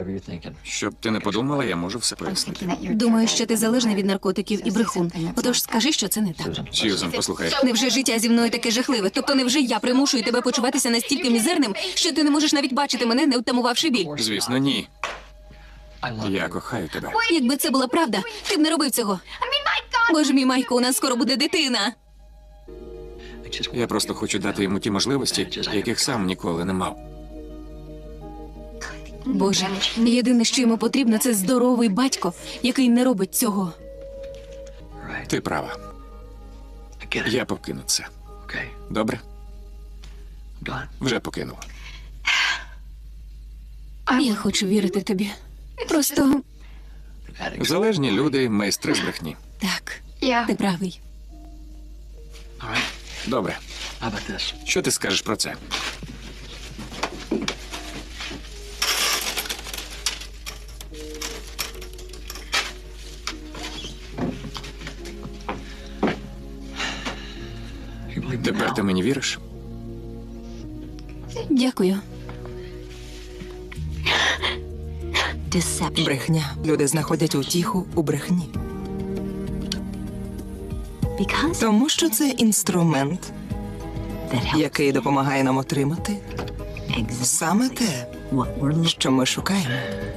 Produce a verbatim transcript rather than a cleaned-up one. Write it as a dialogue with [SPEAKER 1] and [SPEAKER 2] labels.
[SPEAKER 1] Щоб ти не подумала, я можу все пояснити.
[SPEAKER 2] Думаю, що ти залежний від наркотиків і брехун. Отож, скажи, що це не так.
[SPEAKER 1] Сьюзен, послухай.
[SPEAKER 2] Невже життя зі мною таке жахливе? Тобто невже я примушую тебе почуватися настільки мізерним, що ти не можеш навіть бачити мене, не втамувавши біль?
[SPEAKER 1] Звісно, ні. Я кохаю тебе.
[SPEAKER 2] Якби це була правда, ти б не робив цього. Боже мій, Майко, у нас скоро буде дитина.
[SPEAKER 1] Я просто хочу дати йому ті можливості, яких сам ніколи не мав.
[SPEAKER 2] Боже, єдине, що йому потрібно, це здоровий батько, який не робить цього.
[SPEAKER 1] Ти права. Я покину це. Добре? Вже покинув.
[SPEAKER 2] Я хочу вірити тобі. Просто
[SPEAKER 1] Залежні люди – майстри з брехні.
[SPEAKER 2] так, ти правий.
[SPEAKER 1] Добре. Що ти скажеш про це? Тепер ти мені віриш?
[SPEAKER 2] Дякую.
[SPEAKER 3] Брехня. Люди знаходять утіху у брехні. Тому що це інструмент, який допомагає нам отримати саме те, що ми шукаємо.